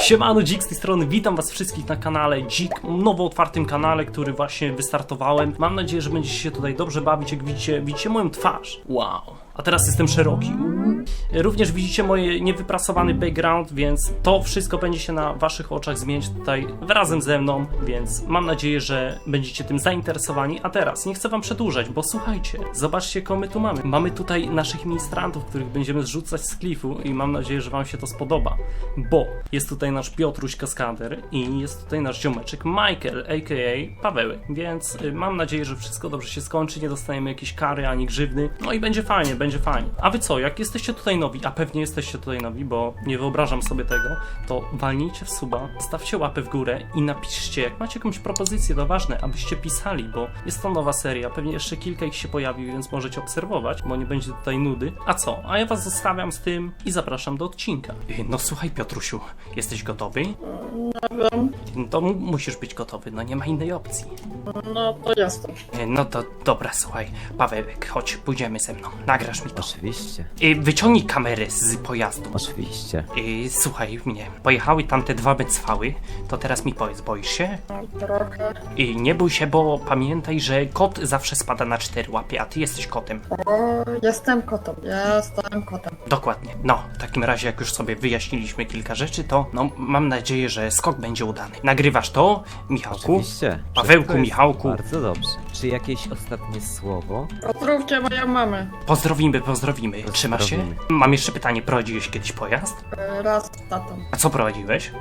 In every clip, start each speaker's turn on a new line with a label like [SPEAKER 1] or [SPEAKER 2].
[SPEAKER 1] Siemano, Dzik z tej strony, witam was wszystkich na kanale Dzik, nowo otwartym kanale, który właśnie wystartowałem. Mam nadzieję, że będziecie się tutaj dobrze bawić, jak widzicie moją twarz. Wow. A teraz jestem szeroki. Również widzicie moje niewyprasowany background, więc to wszystko będzie się na waszych oczach zmieniać tutaj razem ze mną, więc mam nadzieję, że będziecie tym zainteresowani. A teraz nie chcę wam przedłużać, bo słuchajcie, zobaczcie, kogo my tu mamy. Mamy tutaj naszych ministrantów, których będziemy zrzucać z klifu i mam nadzieję, że wam się to spodoba, bo jest tutaj nasz Piotruś Kaskader i jest tutaj nasz ziomeczek Michael, a.k.a. Pawełek, więc mam nadzieję, że wszystko dobrze się skończy, nie dostaniemy jakiejś kary ani grzywny, no i będzie fajnie, będzie fajnie. A wy co, jak jesteście tutaj nowi, a pewnie jesteście tutaj nowi, bo nie wyobrażam sobie tego, to walnijcie w suba, stawcie łapę w górę i napiszcie, jak macie jakąś propozycję, to ważne, abyście pisali, bo jest to nowa seria, pewnie jeszcze kilka ich się pojawi, więc możecie obserwować, bo nie będzie tutaj nudy. A co? A ja was zostawiam z tym i zapraszam do odcinka. No słuchaj, Piotrusiu, jesteś gotowy?
[SPEAKER 2] Nie wiem.
[SPEAKER 1] To musisz być gotowy, no nie ma innej opcji.
[SPEAKER 2] No to jestem.
[SPEAKER 1] No to dobra, słuchaj, Pawełek, chodź, pójdziemy ze mną, nagrasz mi to.
[SPEAKER 3] Oczywiście,
[SPEAKER 1] Wyciągnij kamerę z pojazdu.
[SPEAKER 3] oczywiście.
[SPEAKER 1] Słuchaj mnie, pojechały tam te dwa becwały, to teraz mi powiedz, boisz się?
[SPEAKER 2] Trochę.
[SPEAKER 1] Nie bój się, bo pamiętaj, że kot zawsze spada na 4 łapy, a ty jesteś kotem.
[SPEAKER 2] O, jestem kotem. Jestem kotem.
[SPEAKER 1] Dokładnie. No, w takim razie, jak już sobie wyjaśniliśmy kilka rzeczy, to no, mam nadzieję, że skok będzie udany. Nagrywasz to, Michałku?
[SPEAKER 3] Oczywiście.
[SPEAKER 1] Pawełku,
[SPEAKER 3] Wszystko jest
[SPEAKER 1] Michałku.
[SPEAKER 3] Bardzo dobrze. Czy jakieś ostatnie słowo?
[SPEAKER 2] Pozdrówcie moją mamę.
[SPEAKER 1] Pozdrowimy. Trzymasz się?
[SPEAKER 3] Pozdrowimy.
[SPEAKER 1] Mam jeszcze pytanie, prowadziłeś kiedyś pojazd?
[SPEAKER 2] Raz z tatą.
[SPEAKER 1] A co prowadziłeś?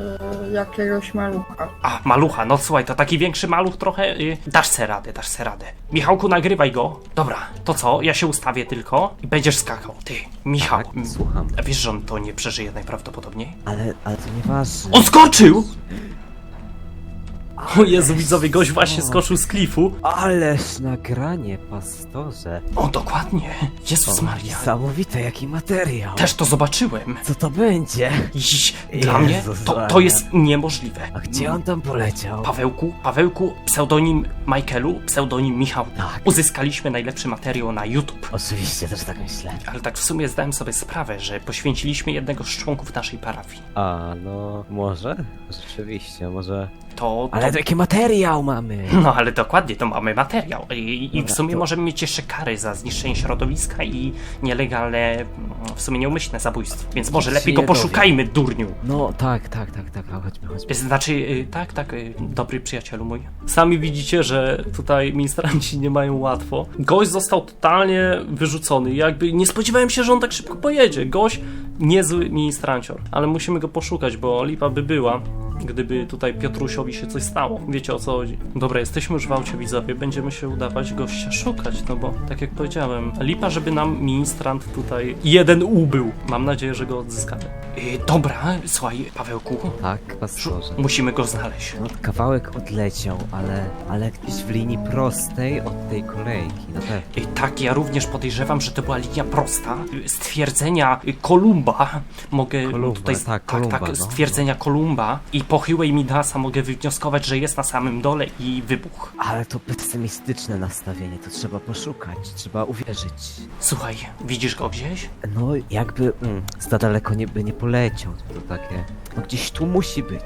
[SPEAKER 2] Jakiegoś malucha.
[SPEAKER 1] A, malucha, no słuchaj, to taki większy maluch trochę, dasz se radę. Michałku, nagrywaj go. Dobra, to co, ja się ustawię tylko i będziesz skakał. Ty, Michał,
[SPEAKER 3] Tak, słucham.
[SPEAKER 1] wiesz, że on to nie przeżyje najprawdopodobniej?
[SPEAKER 3] Ale to nieważne.
[SPEAKER 1] On skoczył! O Jezu, widzowie, gość właśnie skoczył z klifu.
[SPEAKER 3] Ależ nagranie, pastorze.
[SPEAKER 1] O, dokładnie. Jezus Maria.
[SPEAKER 3] Niesamowite, jaki materiał.
[SPEAKER 1] Też to zobaczyłem.
[SPEAKER 3] Co to będzie?
[SPEAKER 1] Dla mnie
[SPEAKER 3] Jezus
[SPEAKER 1] to
[SPEAKER 3] Maria.
[SPEAKER 1] jest niemożliwe.
[SPEAKER 3] A gdzie on tam poleciał?
[SPEAKER 1] Pawełku, pseudonim Michaelu, pseudonim Michał.
[SPEAKER 3] Tak.
[SPEAKER 1] Uzyskaliśmy najlepszy materiał na YouTube.
[SPEAKER 3] Oczywiście, też tak myślę.
[SPEAKER 1] Ale tak w sumie zdałem sobie sprawę, że poświęciliśmy jednego z członków naszej parafii.
[SPEAKER 3] A, no, może? Rzeczywiście, może...
[SPEAKER 1] To...
[SPEAKER 3] Ale to jaki materiał mamy?
[SPEAKER 1] No ale dokładnie, to mamy materiał. I w
[SPEAKER 3] Dobra,
[SPEAKER 1] sumie
[SPEAKER 3] to-
[SPEAKER 1] możemy mieć jeszcze kary za zniszczenie środowiska i nielegalne, w sumie nieumyślne zabójstwo. Więc może
[SPEAKER 3] Nikt
[SPEAKER 1] lepiej
[SPEAKER 3] się
[SPEAKER 1] go
[SPEAKER 3] nie dowie.
[SPEAKER 1] poszukajmy, durniu.
[SPEAKER 3] No, tak, a chodźmy.
[SPEAKER 1] Znaczy, tak, dobry przyjacielu mój. Sami widzicie, że tutaj ministranci nie mają łatwo. Gość został totalnie wyrzucony. Jakby nie spodziewałem się, że on tak szybko pojedzie. Gość niezły ministrancior. Ale musimy go poszukać, bo lipa by była, gdyby tutaj Piotrusiowi się coś stało. Wiecie, o co chodzi. Dobra, jesteśmy już w aucie, widzowie. Będziemy się udawać gościa szukać, no bo tak jak powiedziałem, lipa, żeby nam ministrant tutaj jeden ubył. Mam nadzieję, że go odzyskamy. Dobra, słuchaj, Pawełku.
[SPEAKER 3] Tak, pastorze.
[SPEAKER 1] Musimy go znaleźć.
[SPEAKER 3] No, kawałek odleciał, ale gdzieś w linii prostej od tej kolejki, na pewno.
[SPEAKER 1] Tak, ja również podejrzewam, że to była linia prosta. Stwierdzenia Kolumba mogę
[SPEAKER 3] Kolumba,
[SPEAKER 1] tutaj...
[SPEAKER 3] tak, Kolumba, no.
[SPEAKER 1] Stwierdzenia Kolumba i pochyłej Midasa mogę wywnioskować, że jest na samym dole i wybuch.
[SPEAKER 3] Ale to pesymistyczne nastawienie, to trzeba poszukać, trzeba uwierzyć.
[SPEAKER 1] Słuchaj, widzisz go gdzieś?
[SPEAKER 3] No, jakby za daleko nie poleciał, to takie... No gdzieś tu musi być,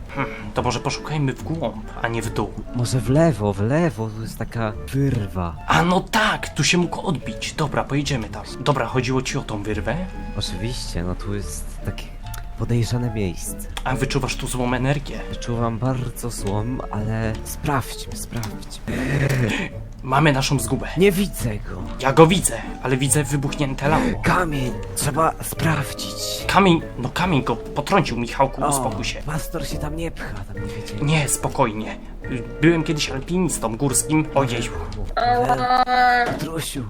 [SPEAKER 1] To może poszukajmy w głąb, a nie w dół.
[SPEAKER 3] Może w lewo, tu jest taka wyrwa.
[SPEAKER 1] A no tak, tu się mógł odbić. Dobra, pojedziemy tam. Dobra, chodziło ci o tą wyrwę?
[SPEAKER 3] Oczywiście, no tu jest takie podejrzane miejsce.
[SPEAKER 1] A wyczuwasz tu złą energię.
[SPEAKER 3] Czuwam bardzo złom, ale sprawdźmy.
[SPEAKER 1] Mamy naszą zgubę.
[SPEAKER 3] Nie widzę go.
[SPEAKER 1] Ja go widzę, ale widzę wybuchnięte lało.
[SPEAKER 3] Kamień, trzeba sprawdzić.
[SPEAKER 1] Kamień go potrącił, Michałku, uspokój się.
[SPEAKER 3] Pastor się tam nie pcha, tam nie wiecie.
[SPEAKER 1] Nie, spokojnie. Byłem kiedyś alpinistą górskim. Ojej.
[SPEAKER 3] Petrusiu.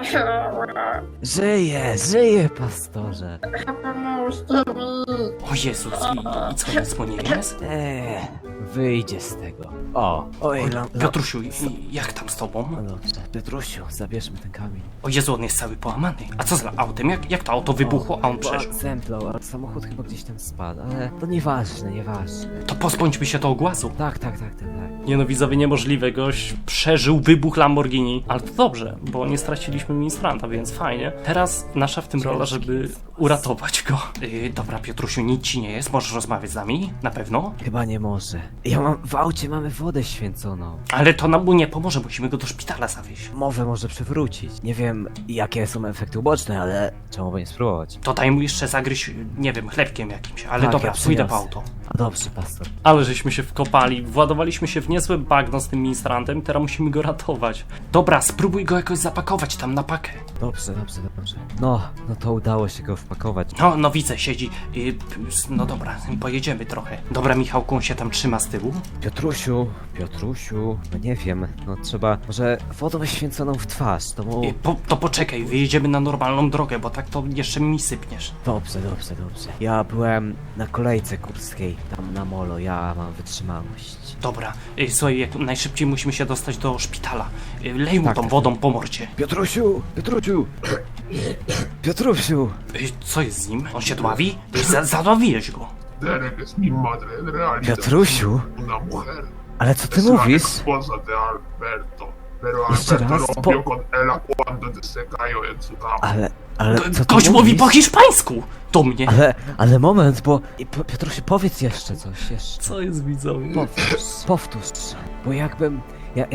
[SPEAKER 3] Żyje, pastorze.
[SPEAKER 2] Pomóżcie mi.
[SPEAKER 1] O Jezus, i co, nic mu nie jest?
[SPEAKER 3] Wyjdzie z tego. Oj,
[SPEAKER 1] Piotrusiu, jak tam z tobą? autom.
[SPEAKER 3] No dobrze. Piotrusiu, zabierzmy ten kamień.
[SPEAKER 1] O Jezu, on jest cały połamany. A co z autem? Jak to auto wybuchło, a on przeżył?
[SPEAKER 3] Zemdlał, ale samochód chyba gdzieś tam spadł, ale to nieważne.
[SPEAKER 1] To pozbądźmy się tego głazu.
[SPEAKER 3] Tak.
[SPEAKER 1] Nie no, widzowie, niemożliwe. Gość przeżył wybuch Lamborghini. Ale to dobrze, bo nie straciliśmy ministranta, więc fajnie. Teraz nasza w tym rola, żeby uratować go. Dobra, Piotrusiu, nic ci nie jest. Możesz rozmawiać z nami? Na pewno?
[SPEAKER 3] Chyba nie może. W aucie mamy wodę święconą.
[SPEAKER 1] Ale to nam mu nie pomoże, musimy go do szpitala zawieźć.
[SPEAKER 3] Może przewrócić. Nie wiem, jakie są efekty uboczne, ale czemu by nie spróbować?
[SPEAKER 1] To daj mu jeszcze zagryźć, nie wiem, chlebkiem jakimś. Ale
[SPEAKER 3] Tak,
[SPEAKER 1] dobra,
[SPEAKER 3] ja
[SPEAKER 1] pójdę po
[SPEAKER 3] przyniosę.
[SPEAKER 1] auto.
[SPEAKER 3] A dobrze, pastor.
[SPEAKER 1] Ale żeśmy się wkopali, władowaliśmy się w niezłe bagno z tym ministrantem i teraz musimy go ratować. Dobra, spróbuj go jakoś zapakować tam na pakę.
[SPEAKER 3] Dobrze. No to udało się go wpakować.
[SPEAKER 1] No widzę, siedzi. No dobra, pojedziemy trochę. Dobra, Michałku, on się tam trzyma z tyłu.
[SPEAKER 3] Piotrusiu, no nie wiem, no trzeba, może wodą święconą w twarz, to mu...
[SPEAKER 1] To poczekaj, wyjedziemy na normalną drogę, bo tak to jeszcze mi sypniesz.
[SPEAKER 3] Dobrze. Ja byłem na kolejce kurskiej, tam na molo, ja mam wytrzymałość.
[SPEAKER 1] Dobra, słuchaj, jak najszybciej musimy się dostać do szpitala. Lej mu
[SPEAKER 3] Tak,
[SPEAKER 1] tą
[SPEAKER 3] tak.
[SPEAKER 1] wodą po mordzie.
[SPEAKER 3] Piotrosiu!
[SPEAKER 1] Co jest z nim? On się dławi? Zadławiłeś go.
[SPEAKER 4] Derek es mi madre, en realidad.
[SPEAKER 3] Piotrusiu?
[SPEAKER 4] Una mujer.
[SPEAKER 3] Ale co ty
[SPEAKER 4] Es la
[SPEAKER 3] mówisz?
[SPEAKER 4] esposa de Alberto. Pero
[SPEAKER 3] Jeszcze
[SPEAKER 4] Alberto
[SPEAKER 3] raz?
[SPEAKER 4] rompió con ella cuando se cayó en su cama.
[SPEAKER 3] Ale co ty
[SPEAKER 1] Gość mówi
[SPEAKER 3] mówisz?
[SPEAKER 1] po hiszpańsku do mnie.
[SPEAKER 3] Ale moment, bo... Piotrusiu, powiedz jeszcze coś, jeszcze.
[SPEAKER 1] Co jest, widzowie?
[SPEAKER 3] Powtórz, bo jakbym... Ja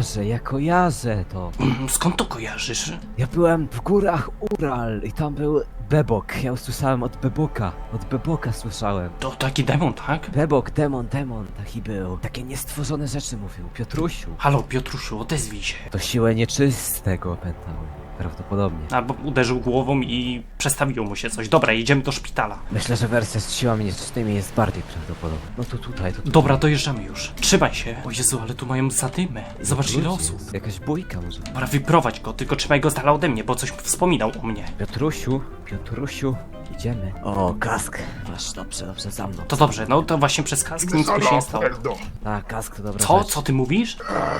[SPEAKER 3] kojarzę to.
[SPEAKER 1] Skąd to kojarzysz?
[SPEAKER 3] Ja byłem w górach Ural i tam był Bebok. Ja usłyszałem od Beboka słyszałem.
[SPEAKER 1] To taki demon, tak?
[SPEAKER 3] Bebok, demon, taki był. Takie niestworzone rzeczy mówił. Piotrusiu.
[SPEAKER 1] Halo, Piotrusiu, odezwij się.
[SPEAKER 3] To siłę nieczystego opętały. Prawdopodobnie.
[SPEAKER 1] Albo uderzył głową i przestawiło mu się coś. Dobra, jedziemy do szpitala.
[SPEAKER 3] Myślę, że wersja z siłami nieczystymi jest bardziej prawdopodobna. No to tutaj.
[SPEAKER 1] Dobra, dojeżdżamy już. Trzymaj się. O Jezu, ale tu mają zadymę. Zobacz ile osób.
[SPEAKER 3] Jakaś bójka może.
[SPEAKER 1] Dobra, wyprowadź go, tylko trzymaj go z dala ode mnie, bo coś wspominał o mnie.
[SPEAKER 3] Piotrusiu, idziemy. O, kask. Masz, dobrze, za mną.
[SPEAKER 1] To dobrze, no to właśnie przez kask nic tu się nie stało.
[SPEAKER 4] Alberto.
[SPEAKER 3] Tak, kask to dobra
[SPEAKER 1] Co?
[SPEAKER 3] rzecz.
[SPEAKER 1] Co ty mówisz?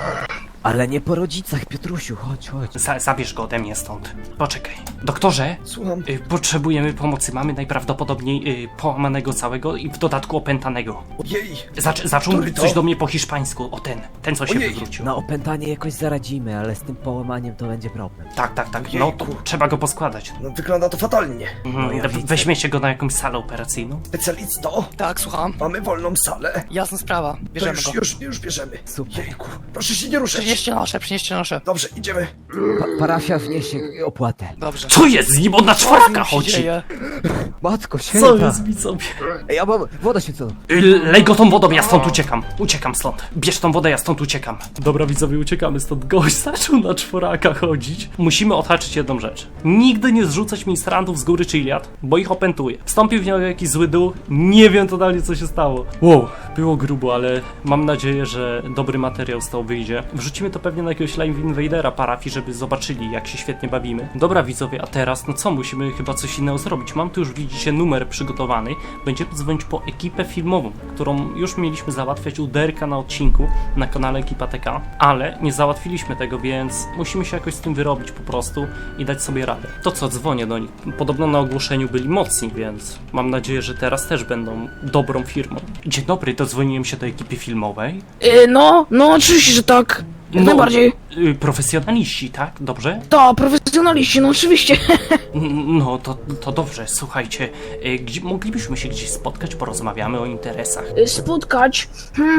[SPEAKER 3] Ale nie po rodzicach, Piotrusiu, chodź.
[SPEAKER 1] Zabierz go ode mnie stąd. Poczekaj. Doktorze,
[SPEAKER 3] Słucham.
[SPEAKER 1] potrzebujemy pomocy. Mamy najprawdopodobniej połamanego całego i w dodatku opętanego.
[SPEAKER 5] Ojej!
[SPEAKER 1] Zaczął
[SPEAKER 5] Który
[SPEAKER 1] mówić
[SPEAKER 5] to?
[SPEAKER 1] coś do mnie po hiszpańsku. O ten co się
[SPEAKER 5] Ojej,
[SPEAKER 1] wywrócił.
[SPEAKER 3] Na opętanie jakoś zaradzimy, ale z tym połamaniem to będzie problem.
[SPEAKER 1] Tak. No to
[SPEAKER 5] Jejku.
[SPEAKER 1] trzeba go poskładać.
[SPEAKER 5] No wygląda to fatalnie.
[SPEAKER 3] No ja widzę.
[SPEAKER 1] Weźmiecie go na jakąś salę operacyjną.
[SPEAKER 5] Specjalisto,
[SPEAKER 6] Tak, słucham.
[SPEAKER 5] mamy wolną salę.
[SPEAKER 6] Jasna sprawa.
[SPEAKER 5] To
[SPEAKER 6] Bierzemy go.
[SPEAKER 5] już bierzemy.
[SPEAKER 3] Super.
[SPEAKER 5] Jejku, proszę się nie ruszać.
[SPEAKER 6] Przynieście nasze.
[SPEAKER 5] Dobrze, idziemy.
[SPEAKER 3] Parafia wniesie opłatę.
[SPEAKER 6] Dobrze.
[SPEAKER 1] Co jest z nim? On na czworaka
[SPEAKER 6] Co się
[SPEAKER 1] chodzi.
[SPEAKER 6] dzieje?
[SPEAKER 3] Matko
[SPEAKER 1] Co
[SPEAKER 3] święta.
[SPEAKER 1] jest widzowie?
[SPEAKER 3] Ej, ja mam wodę święconą.
[SPEAKER 1] Lej go tą wodą, ja stąd uciekam. Uciekam stąd. Bierz tą wodę, ja stąd uciekam. Dobra widzowie, uciekamy stąd. Gość zaczął na czworaka chodzić. Musimy odhaczyć jedną rzecz. Nigdy nie zrzucać ministrantów z góry Chiliad, bo ich opętuje. Wstąpił w nią jakiś zły dół. Nie wiem totalnie co się stało. Wow, było grubo, ale mam nadzieję, że dobry materiał z tego wyjdzie. Wrzucimy to pewnie na jakiegoś live invadera parafii, żeby zobaczyli jak się świetnie bawimy. Dobra widzowie, a teraz no co, musimy chyba coś innego zrobić. Mam tu już, widzicie, numer przygotowany. Będziemy dzwonić po ekipę filmową, którą już mieliśmy załatwiać u Derka na odcinku na kanale Ekipa TK, ale nie załatwiliśmy tego, więc musimy się jakoś z tym wyrobić po prostu i dać sobie radę. To co, dzwonię do nich. Podobno na ogłoszeniu byli mocni, więc mam nadzieję, że teraz też będą dobrą firmą. Dzień dobry, dodzwoniłem się do ekipy filmowej.
[SPEAKER 7] No oczywiście, że tak. Jak najbardziej.
[SPEAKER 1] Profesjonaliści, tak? Dobrze?
[SPEAKER 7] To, profesjonaliści, no oczywiście.
[SPEAKER 1] No, to dobrze, słuchajcie, moglibyśmy się gdzieś spotkać, porozmawiamy o interesach.
[SPEAKER 7] Spotkać.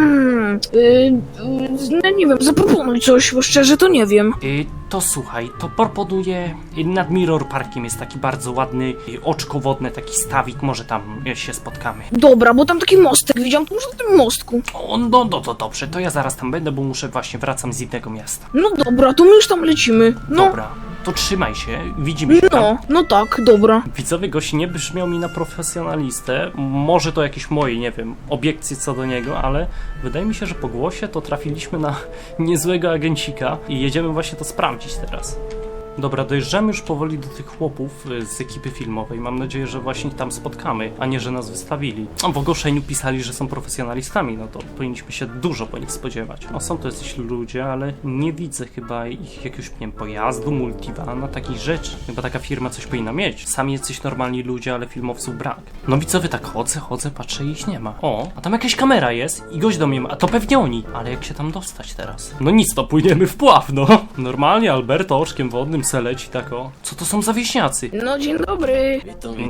[SPEAKER 7] No nie wiem, zaproponuj coś, bo szczerze to nie wiem.
[SPEAKER 1] To słuchaj, to proponuję, nad Mirror Parkiem jest taki bardzo ładny, oczko wodne, taki stawik, może tam się spotkamy.
[SPEAKER 7] Dobra, bo tam taki mostek widziałem, to może na tym mostku.
[SPEAKER 1] No, to dobrze, to ja zaraz tam będę, bo wracam z innego miasta.
[SPEAKER 7] No dobra, to my już tam lecimy. No,
[SPEAKER 1] Dobra, to trzymaj się, widzimy się tam.
[SPEAKER 7] no tak, dobra.
[SPEAKER 1] Widzowie, gość nie brzmiał mi na profesjonalistę, może to jakieś moje, nie wiem, obiekcje co do niego, ale wydaje mi się, że po głosie to trafiliśmy na niezłego agencika i jedziemy właśnie to sprawdzić teraz. Dobra, dojeżdżamy już powoli do tych chłopów z ekipy filmowej. Mam nadzieję, że właśnie ich tam spotkamy, a nie, że nas wystawili. W ogłoszeniu pisali, że są profesjonalistami, no to powinniśmy się dużo po nich spodziewać. No są to jacyś ludzie, ale nie widzę chyba ich jakiegoś, nie wiem, pojazdu, multivana, takich rzeczy. Chyba taka firma coś powinna mieć. Sami jacyś normalni ludzie, ale filmowców brak. No widzowie, tak chodzę, patrzę i ich nie ma. O, a tam jakaś kamera jest i gość do mnie ma, a to pewnie oni. Ale jak się tam dostać teraz? No nic, to płyniemy w pław, no. Normalnie Alberto oczkiem wodnym se leci tak o. Co to są za wieśniacy?
[SPEAKER 7] No dzień dobry.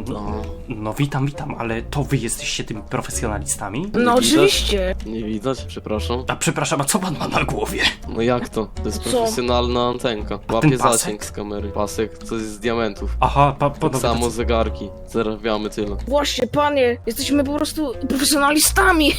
[SPEAKER 1] No witam, ale to wy jesteście tymi profesjonalistami?
[SPEAKER 7] No
[SPEAKER 6] widać?
[SPEAKER 7] oczywiście.
[SPEAKER 6] Nie widać, przepraszam.
[SPEAKER 1] A przepraszam, a co pan ma na głowie?
[SPEAKER 6] No jak to? To jest
[SPEAKER 7] Co?
[SPEAKER 6] profesjonalna antenka.
[SPEAKER 1] ten
[SPEAKER 6] Łapie
[SPEAKER 1] pasek?
[SPEAKER 6] zasięg z kamery. Pasek, co jest z diamentów.
[SPEAKER 1] Aha,
[SPEAKER 6] Tak
[SPEAKER 1] panowie,
[SPEAKER 6] samo zegarki. Zarabiamy tyle.
[SPEAKER 7] Właśnie, panie, jesteśmy po prostu profesjonalistami.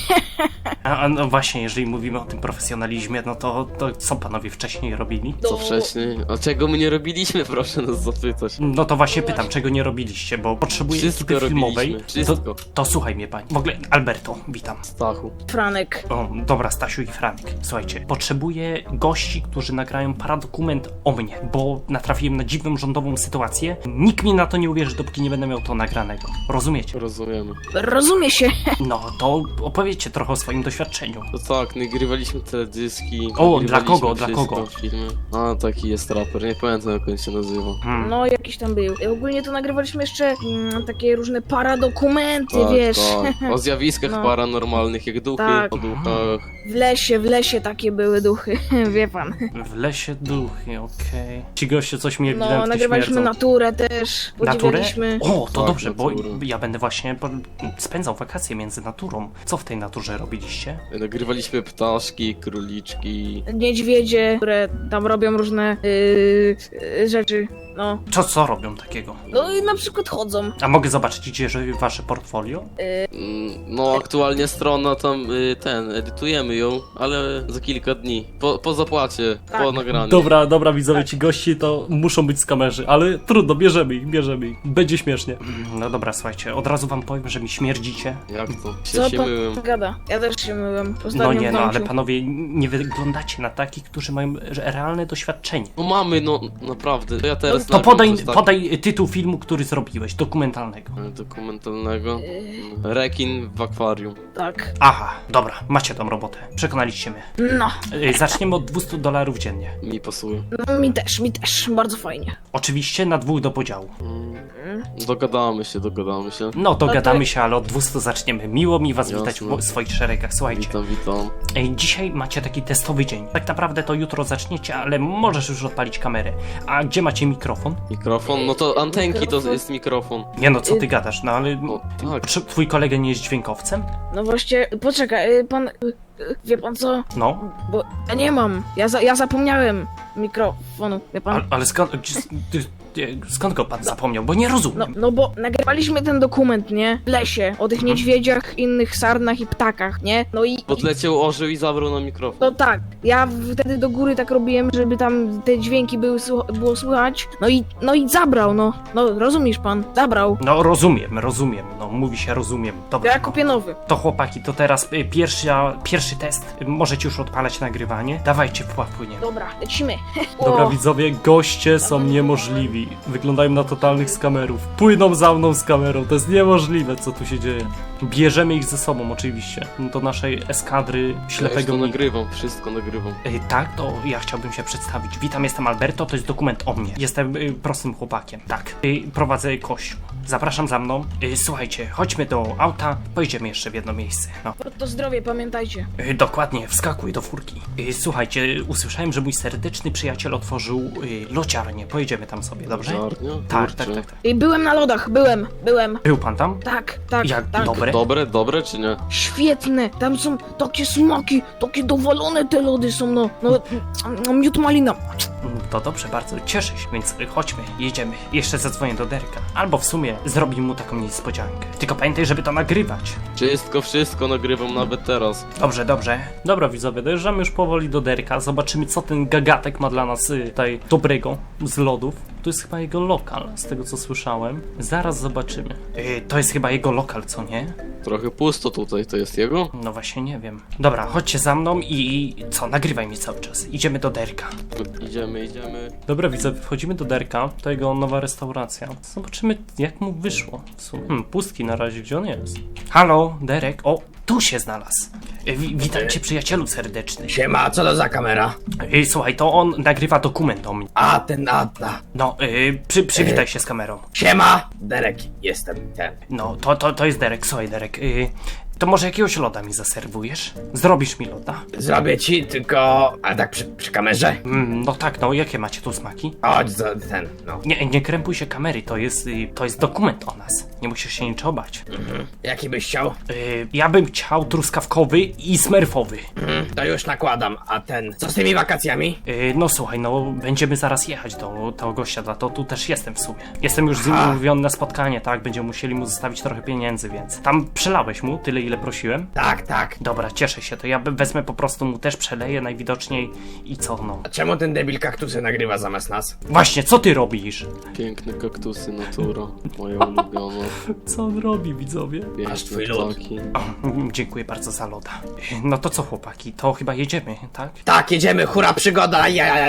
[SPEAKER 1] no właśnie, jeżeli mówimy o tym profesjonalizmie, no to co panowie wcześniej robili?
[SPEAKER 6] Co wcześniej? A czego my nie robiliśmy, proszę nas zapytać.
[SPEAKER 1] No to właśnie pytam, czego nie robiliście, bo potrzebuję
[SPEAKER 6] Wszystko
[SPEAKER 1] ekipy filmowej.
[SPEAKER 6] robiliśmy, wszystko.
[SPEAKER 1] To słuchaj mnie pani. W ogóle, Alberto, witam.
[SPEAKER 6] Stachu.
[SPEAKER 7] Franek.
[SPEAKER 1] O, dobra, Stasiu i Franek. Słuchajcie, potrzebuję gości, którzy nagrają paradokument o mnie, bo natrafiłem na dziwną rządową sytuację. Nikt mi na to nie uwierzy, dopóki nie będę miał to nagranego. Rozumiecie?
[SPEAKER 6] Rozumiemy.
[SPEAKER 7] Rozumie się.
[SPEAKER 1] No, to opowiedzcie trochę o swoim doświadczeniu.
[SPEAKER 6] To tak, nagrywaliśmy teledyski.
[SPEAKER 1] O,
[SPEAKER 6] nagrywaliśmy
[SPEAKER 1] dla kogo, dla
[SPEAKER 6] wszystko,
[SPEAKER 1] kogo?
[SPEAKER 6] Filmy. A, taki jest raper, nie pamiętam jak on się nazywa.
[SPEAKER 7] No jakiś tam był. Ogólnie to nagrywaliśmy jeszcze takie różne paradokumenty, wiesz.
[SPEAKER 6] Tak. O zjawiskach
[SPEAKER 7] No.
[SPEAKER 6] paranormalnych, jak duchy,
[SPEAKER 7] Tak.
[SPEAKER 6] o duchach.
[SPEAKER 7] W lesie takie były duchy, wie pan.
[SPEAKER 1] W lesie duchy, okej. Ci goście coś mi
[SPEAKER 7] No,
[SPEAKER 1] ewidentnie
[SPEAKER 7] nagrywaliśmy
[SPEAKER 1] śmierdzą.
[SPEAKER 7] naturę też,
[SPEAKER 1] Naturę?
[SPEAKER 7] podziwialiśmy.
[SPEAKER 1] O, to
[SPEAKER 6] Tak,
[SPEAKER 1] dobrze, bo
[SPEAKER 6] naturę.
[SPEAKER 1] ja będę właśnie spędzał wakacje między naturą. Co w tej naturze robiliście?
[SPEAKER 6] Nagrywaliśmy ptaszki, króliczki.
[SPEAKER 7] Niedźwiedzie, które tam robią różne rzeczy, no.
[SPEAKER 1] Co robią takiego?
[SPEAKER 7] No i na przykład chodzą.
[SPEAKER 1] A mogę zobaczyć gdzie wasze portfolio?
[SPEAKER 6] No, aktualnie strona tam, edytujemy ją, ale za kilka dni. Po zapłacie,
[SPEAKER 7] Tak.
[SPEAKER 6] po nagraniu.
[SPEAKER 1] Dobra, widzowie, ci gości to muszą być z kamerzy, ale trudno, bierzemy ich. Będzie śmiesznie. No dobra, słuchajcie, od razu wam powiem, że mi śmierdzicie.
[SPEAKER 6] Jak to?
[SPEAKER 7] Co
[SPEAKER 6] Się
[SPEAKER 7] pan
[SPEAKER 6] myłem.
[SPEAKER 7] gada? Ja też się myłem. Ostatnio
[SPEAKER 1] No nie,
[SPEAKER 7] w
[SPEAKER 1] no ale
[SPEAKER 7] domciu.
[SPEAKER 1] panowie, nie wyglądacie na takich, którzy mają realne doświadczenie.
[SPEAKER 6] No mamy, no naprawdę. To ja teraz
[SPEAKER 1] To
[SPEAKER 6] nagram coś
[SPEAKER 1] podaj tytuł filmu, który zrobiłeś, dokumentalnego.
[SPEAKER 6] dokumentalnego. Rekin w akwarium.
[SPEAKER 7] Tak.
[SPEAKER 1] Aha, dobra, macie tą robotę. Przekonaliście mnie.
[SPEAKER 7] No,
[SPEAKER 1] Zaczniemy od $200 dziennie.
[SPEAKER 6] Mi pasuje.
[SPEAKER 7] no mi też, bardzo fajnie.
[SPEAKER 1] Oczywiście na 2 do podziału.
[SPEAKER 6] Dogadamy się.
[SPEAKER 1] No to
[SPEAKER 7] to-
[SPEAKER 1] gadamy się, ale od 200 zaczniemy. Miło mi was
[SPEAKER 6] Jasne.
[SPEAKER 1] witać w swoich szeregach. Słuchajcie,
[SPEAKER 6] Witam.
[SPEAKER 1] dzisiaj macie taki testowy dzień. Tak naprawdę to jutro zaczniecie, ale możesz już odpalić kamerę. A gdzie macie mikrofon?
[SPEAKER 6] Mikrofon? No to antenki to
[SPEAKER 7] Mikrofon.
[SPEAKER 6] jest mikrofon.
[SPEAKER 1] Nie no, co ty gadasz, no ale...
[SPEAKER 6] No tak.
[SPEAKER 1] Czy twój kolega nie jest dźwiękowcem?
[SPEAKER 7] No właśnie, poczekaj, pan, wie pan co?
[SPEAKER 1] No,
[SPEAKER 7] Bo ja nie mam, ja zapomniałem mikrofonu, wie pan?
[SPEAKER 1] ale skąd go pan zapomniał? Bo nie rozumiem.
[SPEAKER 7] No bo nagrywaliśmy ten dokument, nie? W lesie, o tych niedźwiedziach, innych sarnach i ptakach, nie? No i...
[SPEAKER 6] Podleciał orzeł i zabrał na mikrofon.
[SPEAKER 7] No tak, ja wtedy do góry tak robiłem, żeby tam te dźwięki było słychać, no i zabrał, no rozumiesz pan, zabrał.
[SPEAKER 1] No rozumiem, no mówi się rozumiem. Dobra,
[SPEAKER 7] Ja kupię nowy.
[SPEAKER 1] to chłopaki, to teraz pierwszy test. Możecie już odpalać nagrywanie. Dawajcie, płyniemy.
[SPEAKER 7] Dobra, lecimy.
[SPEAKER 1] Dobra
[SPEAKER 7] O,
[SPEAKER 1] widzowie, goście są niemożliwi. Wyglądają na totalnych skamerów. Płyną za mną z kamerą, to jest niemożliwe, co tu się dzieje. Bierzemy ich ze sobą oczywiście, do naszej eskadry ślepego
[SPEAKER 6] Ja
[SPEAKER 1] Nika.
[SPEAKER 6] wszystko nagrywam.
[SPEAKER 1] Tak, to ja chciałbym się przedstawić. Witam, jestem Alberto, to jest dokument o mnie. Jestem prostym chłopakiem, tak. Prowadzę kościół. Zapraszam za mną. Słuchajcie, chodźmy do auta, pojedziemy jeszcze w jedno miejsce. No.
[SPEAKER 7] to zdrowie, pamiętajcie.
[SPEAKER 1] Dokładnie, wskakuj do furki. Słuchajcie, usłyszałem, że mój serdeczny przyjaciel otworzył lociarnię. Pojedziemy tam sobie, dobrze?
[SPEAKER 6] Żarnia?
[SPEAKER 1] Tak.
[SPEAKER 6] Kurczę.
[SPEAKER 7] I byłem na lodach, byłem.
[SPEAKER 1] Był pan tam?
[SPEAKER 7] Tak,
[SPEAKER 1] Jak
[SPEAKER 7] tak.
[SPEAKER 1] dobre?
[SPEAKER 6] Dobre czy nie?
[SPEAKER 7] Świetne, tam są takie smaki, takie dowalone te lody są, no miód malina.
[SPEAKER 1] To dobrze, bardzo cieszę się, więc chodźmy, jedziemy. Jeszcze zadzwonię do Derka. Albo w sumie zrobi mu taką niespodziankę. Tylko pamiętaj, żeby to nagrywać.
[SPEAKER 6] Wszystko nagrywam nawet teraz.
[SPEAKER 1] Dobrze. Dobra widzowie, dojeżdżamy już powoli do Derka. Zobaczymy, co ten gagatek ma dla nas tutaj dobrego z lodów. To jest chyba jego lokal, z tego co słyszałem. Zaraz zobaczymy. To jest chyba jego lokal, co nie?
[SPEAKER 6] Trochę pusto tutaj, to jest jego?
[SPEAKER 1] No właśnie nie wiem. Dobra, chodźcie za mną i co, nagrywaj mi cały czas. Idziemy do Derka.
[SPEAKER 6] Idziemy.
[SPEAKER 1] Dobra, widzę, wchodzimy do Derka, to jego nowa restauracja. Zobaczymy, jak mu wyszło w sumie. Pustki na razie, gdzie on jest? Halo, Derek? O, tu się znalazł. Witam cię, przyjacielu serdeczny.
[SPEAKER 5] Siema, co to za kamera?
[SPEAKER 1] Słuchaj, to on nagrywa dokument o mnie.
[SPEAKER 5] A, ten.
[SPEAKER 1] No, przywitaj się z kamerą.
[SPEAKER 5] Siema! Derek, jestem ten.
[SPEAKER 1] No, to jest Derek, słuchaj Derek. To może jakiegoś loda mi zaserwujesz? Zrobisz mi loda?
[SPEAKER 5] Zrobię ci, tylko... A tak przy kamerze?
[SPEAKER 1] No tak, no, jakie macie tu smaki?
[SPEAKER 5] Chodź, no.
[SPEAKER 1] Nie krępuj się kamery, to jest dokument o nas. Nie musisz się niczego bać.
[SPEAKER 5] Jaki byś chciał?
[SPEAKER 1] Ja bym chciał truskawkowy i smerfowy.
[SPEAKER 5] To już nakładam, a ten... Co z tymi wakacjami?
[SPEAKER 1] No słuchaj, no będziemy zaraz jechać do tego gościa, to tu też jestem w sumie. Jestem już z nim umówiony na spotkanie, tak? Będziemy musieli mu zostawić trochę pieniędzy, więc... Tam przelałeś mu tyle, ile prosiłem?
[SPEAKER 5] Tak.
[SPEAKER 1] Dobra, cieszę się, to ja wezmę po prostu mu też przeleję najwidoczniej i co, no.
[SPEAKER 5] A czemu ten debil kaktusy nagrywa zamiast nas?
[SPEAKER 1] Właśnie, co ty robisz?
[SPEAKER 6] Piękne kaktusy, natura. Moja ulubiona.
[SPEAKER 1] Co on robi, widzowie?
[SPEAKER 5] Masz twój
[SPEAKER 6] Piękne
[SPEAKER 5] lód.
[SPEAKER 6] ptaki.
[SPEAKER 1] Dziękuję bardzo za loda. No to co, chłopaki, to chyba jedziemy, tak?
[SPEAKER 5] Tak, jedziemy, hura, przygoda,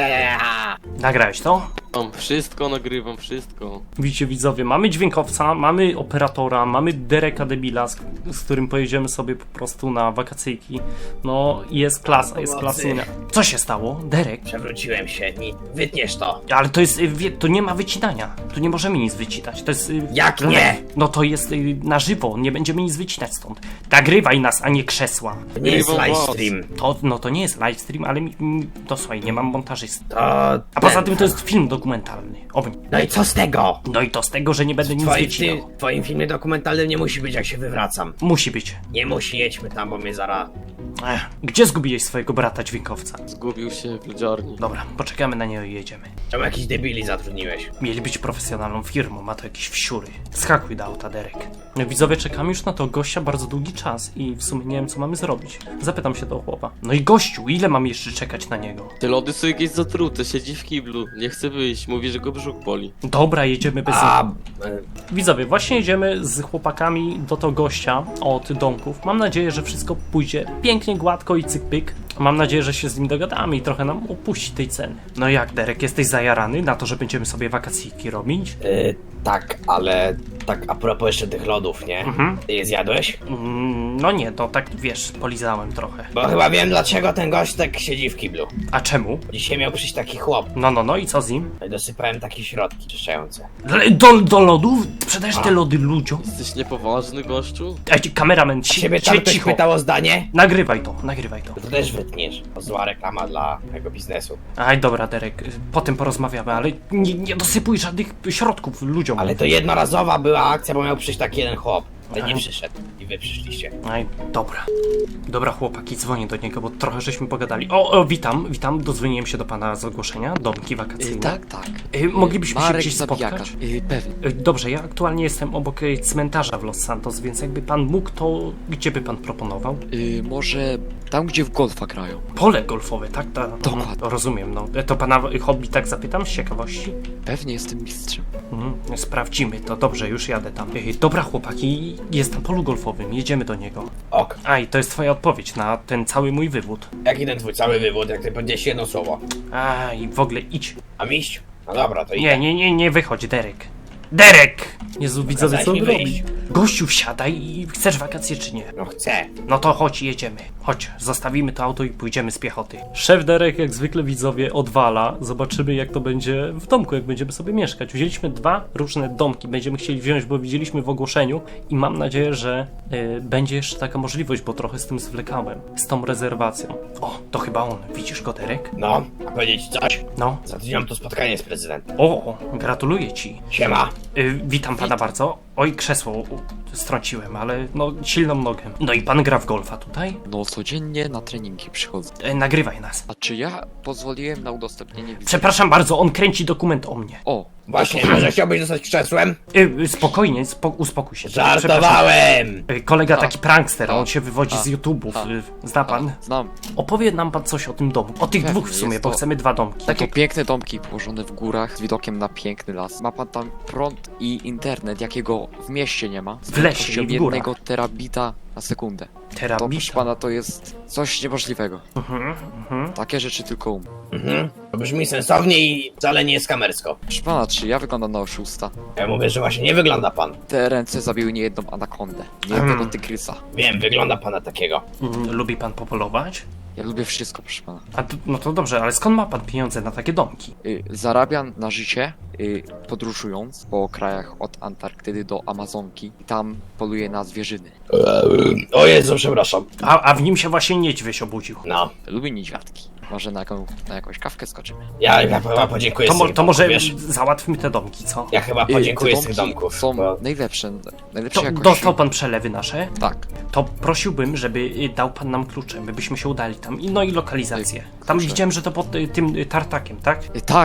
[SPEAKER 5] ja.
[SPEAKER 1] Nagrałeś to?
[SPEAKER 6] Mam wszystko, nagrywam wszystko.
[SPEAKER 1] Widzicie, widzowie, mamy dźwiękowca, mamy operatora, mamy Dereka debila, z którym pojedziemy sobie po prostu na wakacyjki. No, jest klasa, jest klasyna. Co się stało? Derek?
[SPEAKER 5] Przewróciłem się, wytniesz to.
[SPEAKER 1] Ale to jest, to nie ma wycinania. Tu nie możemy nic wycinać, to jest...
[SPEAKER 5] Jak nie?
[SPEAKER 1] No to jest na żywo, nie będziemy nic wycinać stąd. Nagrywaj nas, a nie krzesła.
[SPEAKER 5] To nie jest
[SPEAKER 6] Nagrywam
[SPEAKER 5] livestream.
[SPEAKER 1] To nie jest livestream, ale to słuchaj, nie mam montażysty.
[SPEAKER 5] To...
[SPEAKER 1] A poza tym to jest film dokumentalny.
[SPEAKER 5] No i co z tego?
[SPEAKER 1] No i to z tego, że nie będę nic wycinał.
[SPEAKER 5] W twoim filmie dokumentalnym nie musi być, jak się wywracam.
[SPEAKER 1] Musi być.
[SPEAKER 5] Nie musi, jedźmy tam, bo mnie zaraz...
[SPEAKER 1] Gdzie zgubiłeś swojego brata dźwiękowca?
[SPEAKER 6] Zgubił się w lodziarni.
[SPEAKER 1] Dobra, poczekamy na niego i jedziemy.
[SPEAKER 5] Czemu jakiś debili zatrudniłeś?
[SPEAKER 1] Mieli być profesjonalną firmą, ma to jakieś wsiury. Skakuj do auta, Derek. No widzowie, czekamy już na to gościa bardzo długi czas i w sumie nie wiem, co mamy zrobić. Zapytam się do chłopa. No i gościu, ile mam jeszcze czekać na niego?
[SPEAKER 6] Te lody są jakieś zatrute, siedzi w kiblu. Nie chce wyjść, mówi, że go brzuch boli.
[SPEAKER 1] Dobra, jedziemy bez...
[SPEAKER 5] A...
[SPEAKER 1] Widzowie, właśnie jedziemy z chłopakami do tego gościa od domków. Mam nadzieję, że wszystko pójdzie pięknie, gładko i cyk-pyk. Mam nadzieję, że się z nim dogadamy i trochę nam opuści tej ceny. No jak, Derek, jesteś zajarany na to, że będziemy sobie wakacyjki robić?
[SPEAKER 5] Tak, ale... Tak a propos jeszcze tych lodów, nie? Ty je zjadłeś?
[SPEAKER 1] No nie, to tak, wiesz, polizałem trochę.
[SPEAKER 5] Bo chyba wiem, dlaczego ten gość tak siedzi w kiblu.
[SPEAKER 1] A czemu?
[SPEAKER 5] Dzisiaj miał przyjść taki chłop.
[SPEAKER 1] No i co z nim?
[SPEAKER 5] No i dosypałem takie środki czyszczające.
[SPEAKER 1] Do lodów? Sprzedajesz te lody ludziom?
[SPEAKER 6] Jesteś niepoważny, gościu?
[SPEAKER 1] Ej, kameraman,
[SPEAKER 5] Ciebie tam ktoś
[SPEAKER 1] cicho.
[SPEAKER 5] pytał o zdanie?
[SPEAKER 1] Nagrywaj to.
[SPEAKER 5] To też wytniesz. To zła reklama dla tego biznesu.
[SPEAKER 1] Aj, dobra, Derek, potem porozmawiamy, ale nie dosypuj żadnych środków ludziom.
[SPEAKER 5] Ale to jednorazowa była akcja, bo miał przyjść taki jeden chłop. Ale nie przyszedł. I wy przyszliście.
[SPEAKER 1] Aj, dobra. Dobra, chłopaki, dzwonię do niego, bo trochę żeśmy pogadali. O, witam, dodzwoniłem się do pana z ogłoszenia, domki wakacyjne.
[SPEAKER 8] Tak.
[SPEAKER 1] Moglibyśmy się
[SPEAKER 8] Marek
[SPEAKER 1] gdzieś
[SPEAKER 8] Zabijaka.
[SPEAKER 1] spotkać?
[SPEAKER 8] Pewnie.
[SPEAKER 1] Dobrze, ja aktualnie jestem obok cmentarza w Los Santos, więc jakby pan mógł, to gdzie by pan proponował?
[SPEAKER 8] Może tam, gdzie w golfa grają.
[SPEAKER 1] Pole golfowe, tak?
[SPEAKER 8] Dokładnie.
[SPEAKER 1] Rozumiem, no. To pana hobby, tak zapytam, z ciekawości?
[SPEAKER 8] Pewnie jestem mistrzem.
[SPEAKER 1] Sprawdzimy to, dobrze, już jadę tam. Dobra, chłopaki, jest na polu golfowym, jedziemy do niego.
[SPEAKER 5] Ok.
[SPEAKER 1] Aj, to jest twoja odpowiedź na ten cały mój wywód.
[SPEAKER 5] Jaki ten twój cały wywód, jak ty powiedziałeś jedno słowo?
[SPEAKER 1] Aj, w ogóle idź.
[SPEAKER 5] A mistrz? No dobra, to idę.
[SPEAKER 1] Nie wychodź, Derek. Derek! Jezu, widzowie, co on
[SPEAKER 5] Kazałeś mi
[SPEAKER 1] robi?
[SPEAKER 5] wyjść.
[SPEAKER 1] Gościu, wsiadaj i chcesz wakacje czy nie?
[SPEAKER 5] No chcę.
[SPEAKER 1] No to chodź, jedziemy. Chodź, zostawimy to auto i pójdziemy z piechoty. Szef Derek, jak zwykle widzowie, odwala. Zobaczymy, jak to będzie w domku, jak będziemy sobie mieszkać. Wzięliśmy 2 różne domki, będziemy chcieli wziąć, bo widzieliśmy w ogłoszeniu i mam nadzieję, że będzie jeszcze taka możliwość, bo trochę z tym zwlekałem, z tą rezerwacją. O, to chyba on. Widzisz go, Derek?
[SPEAKER 5] No, a powiedzieć ci coś?
[SPEAKER 1] No.
[SPEAKER 5] Za tydzień mam tu spotkanie z prezydentem.
[SPEAKER 1] O, gratuluję ci.
[SPEAKER 5] Siema.
[SPEAKER 1] Witam pana bardzo. Oj, krzesło strąciłem, ale no silną nogę. No i pan gra w golfa tutaj?
[SPEAKER 8] No codziennie na treningi przychodzę.
[SPEAKER 1] Nagrywaj nas.
[SPEAKER 8] A czy ja pozwoliłem na udostępnienie wizy?
[SPEAKER 1] Przepraszam bardzo, on kręci dokument o mnie.
[SPEAKER 8] O,
[SPEAKER 5] Właśnie, może chciałbyś zostać krzesłem?
[SPEAKER 1] Spokojnie, uspokój się.
[SPEAKER 5] Żartowałem!
[SPEAKER 1] Kolega taki prankster, on się wywodzi z
[SPEAKER 8] A.
[SPEAKER 1] YouTube'ów. Zna pan?
[SPEAKER 8] Znam.
[SPEAKER 1] Opowie nam pan coś o tym domu. O tych
[SPEAKER 8] Pewnie,
[SPEAKER 1] dwóch w sumie,
[SPEAKER 8] jest
[SPEAKER 1] bo
[SPEAKER 8] to-
[SPEAKER 1] chcemy 2 domki.
[SPEAKER 8] Takie piękne domki położone w górach z widokiem na piękny las. Ma pan tam prąd i internet, jakiego w mieście nie ma. Z
[SPEAKER 1] W lesie
[SPEAKER 8] prędkością
[SPEAKER 1] i w górach.
[SPEAKER 8] 1 terabita na sekundę. To proszę
[SPEAKER 1] Terabita.
[SPEAKER 8] pana to jest coś niemożliwego. Takie rzeczy tylko
[SPEAKER 5] To brzmi sensownie i wcale nie jest kamersko.
[SPEAKER 8] Proszę pana, czy ja wyglądam na oszusta?
[SPEAKER 5] Ja mówię, że właśnie nie wygląda pan.
[SPEAKER 8] Te ręce zabiły niejedną anakondę, niejednego tygrysa.
[SPEAKER 5] Wiem, wygląda pan na takiego.
[SPEAKER 1] Lubi pan popolować?
[SPEAKER 8] Ja lubię wszystko, proszę pana.
[SPEAKER 1] No to dobrze, ale skąd ma pan pieniądze na takie domki?
[SPEAKER 8] Zarabiam na życie podróżując po krajach od Antarktydy do Amazonki i tam poluję na zwierzyny.
[SPEAKER 5] O Jezu, przepraszam.
[SPEAKER 1] A w nim się właśnie niedźwiedź obudził.
[SPEAKER 5] No,
[SPEAKER 8] Lubię niedźwiadki. Może na jakąś kawkę skoczymy.
[SPEAKER 5] ja chyba podziękuję z tych
[SPEAKER 1] To może
[SPEAKER 5] domków, wiesz?
[SPEAKER 1] załatwmy te domki, co?
[SPEAKER 5] Ja chyba
[SPEAKER 8] Te
[SPEAKER 5] podziękuję z tych
[SPEAKER 8] domki
[SPEAKER 5] domków.
[SPEAKER 8] są
[SPEAKER 5] Bo...
[SPEAKER 8] najlepsze
[SPEAKER 1] To
[SPEAKER 8] jakości.
[SPEAKER 1] dostał pan przelewy nasze?
[SPEAKER 8] Tak.
[SPEAKER 1] To prosiłbym, żeby dał pan nam klucze, my byśmy się udali tam. No i lokalizację. Tam
[SPEAKER 8] Klucze.
[SPEAKER 1] widziałem, że to pod tym tartakiem, tak?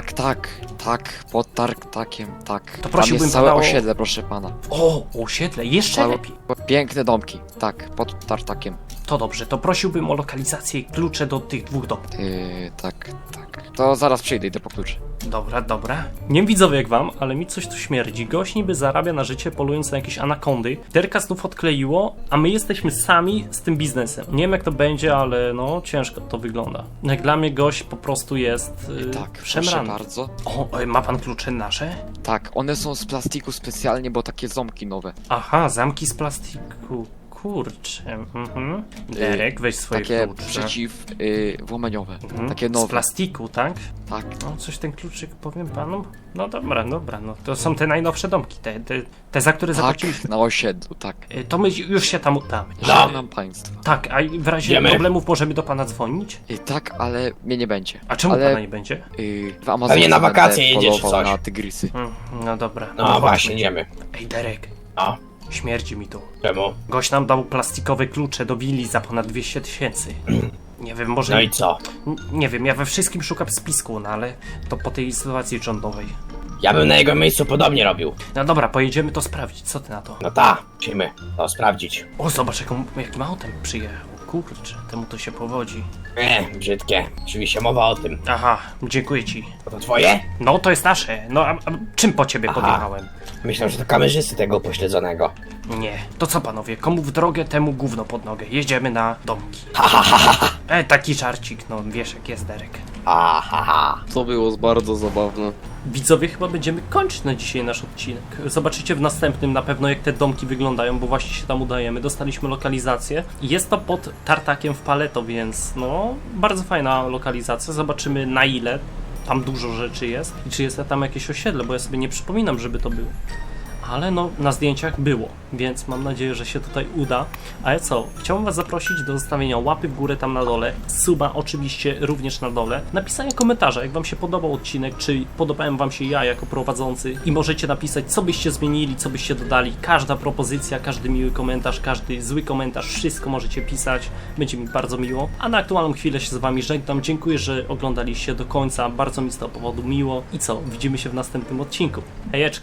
[SPEAKER 8] Tak, pod tartakiem, tak.
[SPEAKER 1] To
[SPEAKER 8] Tam
[SPEAKER 1] prosiłbym
[SPEAKER 8] jest całe
[SPEAKER 1] pana o-
[SPEAKER 8] osiedle, proszę pana.
[SPEAKER 1] O, osiedle, jeszcze
[SPEAKER 8] Całe,
[SPEAKER 1] lepiej.
[SPEAKER 8] piękne domki, tak, pod tartakiem.
[SPEAKER 1] To dobrze, to prosiłbym o lokalizację i klucze do tych 2 domków.
[SPEAKER 8] Tak. To zaraz przyjdę, idę po klucze.
[SPEAKER 1] Dobra. Nie wiem widzowie jak wam, ale mi coś tu śmierdzi. Gość niby zarabia na życie polując na jakieś anakondy. Derka znów odkleiło, a my jesteśmy sami z tym biznesem. Nie wiem jak to będzie, ale no ciężko to wygląda. Jak dla mnie gość po prostu jest
[SPEAKER 8] Tak, proszę
[SPEAKER 1] szemrany.
[SPEAKER 8] bardzo.
[SPEAKER 1] O, ma pan klucze nasze?
[SPEAKER 8] Tak, one są z plastiku specjalnie, bo takie ząbki nowe.
[SPEAKER 1] Aha, zamki z plastiku. Kurczę. Derek, weź swoje
[SPEAKER 8] Takie
[SPEAKER 1] klucze.
[SPEAKER 8] przeciwłamaniowe. Takie
[SPEAKER 1] Z
[SPEAKER 8] nowe.
[SPEAKER 1] plastiku, tak?
[SPEAKER 8] Tak.
[SPEAKER 1] No, coś ten kluczyk powiem panu. No dobra, no to są te najnowsze domki, te za które zapłaciliśmy.
[SPEAKER 8] Tak, na osiedlu, tak.
[SPEAKER 1] To my już się tam udamy.
[SPEAKER 8] Żegnam państwa.
[SPEAKER 1] Tak, a w razie
[SPEAKER 5] Wiemy.
[SPEAKER 1] problemów możemy do pana dzwonić?
[SPEAKER 8] Tak, ale mnie nie będzie.
[SPEAKER 1] A czemu
[SPEAKER 8] ale,
[SPEAKER 1] pana nie będzie?
[SPEAKER 8] W Amazonce
[SPEAKER 5] Pewnie na wakacje
[SPEAKER 8] będę
[SPEAKER 5] jedziesz czy
[SPEAKER 8] polował
[SPEAKER 5] coś.
[SPEAKER 8] na tygrysy.
[SPEAKER 1] No dobra.
[SPEAKER 5] No
[SPEAKER 1] chodźmy.
[SPEAKER 5] właśnie, idziemy.
[SPEAKER 1] Ej, Derek,
[SPEAKER 5] No,
[SPEAKER 1] śmierdzi mi tu.
[SPEAKER 5] czemu?
[SPEAKER 1] Gość nam dał plastikowe klucze do willi za ponad 200 000. Nie wiem, może...
[SPEAKER 5] No i co?
[SPEAKER 1] Nie wiem, ja we wszystkim szukam spisku, no ale to po tej sytuacji rządowej.
[SPEAKER 5] Ja bym na jego miejscu podobnie robił.
[SPEAKER 1] No dobra, pojedziemy to sprawdzić, co ty na to?
[SPEAKER 5] No ta, musimy to sprawdzić.
[SPEAKER 1] O, zobacz jakim autem przyjechał. Kurczę, temu to się powodzi.
[SPEAKER 5] Brzydkie. Oczywiście mowa o tym.
[SPEAKER 1] Aha, dziękuję ci.
[SPEAKER 5] To twoje?
[SPEAKER 1] No, to jest nasze. No, a czym po ciebie
[SPEAKER 5] Aha.
[SPEAKER 1] podjechałem?
[SPEAKER 5] Myślę, że to kamerzysty tego pośledzonego.
[SPEAKER 1] Nie. To co panowie, komu w drogę, temu gówno pod nogę. Jedziemy na domki. Taki żarcik, no wiesz jak jest Derek.
[SPEAKER 6] To było bardzo zabawne.
[SPEAKER 1] Widzowie, chyba będziemy kończyć na dzisiaj nasz odcinek. Zobaczycie w następnym na pewno jak te domki wyglądają, bo właśnie się tam udajemy. Dostaliśmy lokalizację. Jest to pod tartakiem w Paleto, więc no, bardzo fajna lokalizacja. Zobaczymy na ile tam dużo rzeczy jest i czy jest tam jakieś osiedle, bo ja sobie nie przypominam, żeby to było. Ale no, na zdjęciach było, więc mam nadzieję, że się tutaj uda. A ja co? Chciałbym was zaprosić do zostawienia łapy w górę tam na dole, suba oczywiście również na dole, napisania komentarza, jak wam się podobał odcinek, czy podobałem wam się ja jako prowadzący i możecie napisać, co byście zmienili, co byście dodali. Każda propozycja, każdy miły komentarz, każdy zły komentarz, wszystko możecie pisać, będzie mi bardzo miło. A na aktualną chwilę się z wami żegnam, dziękuję, że oglądaliście do końca, bardzo mi z tego powodu miło. I co? Widzimy się w następnym odcinku. Hejeczka!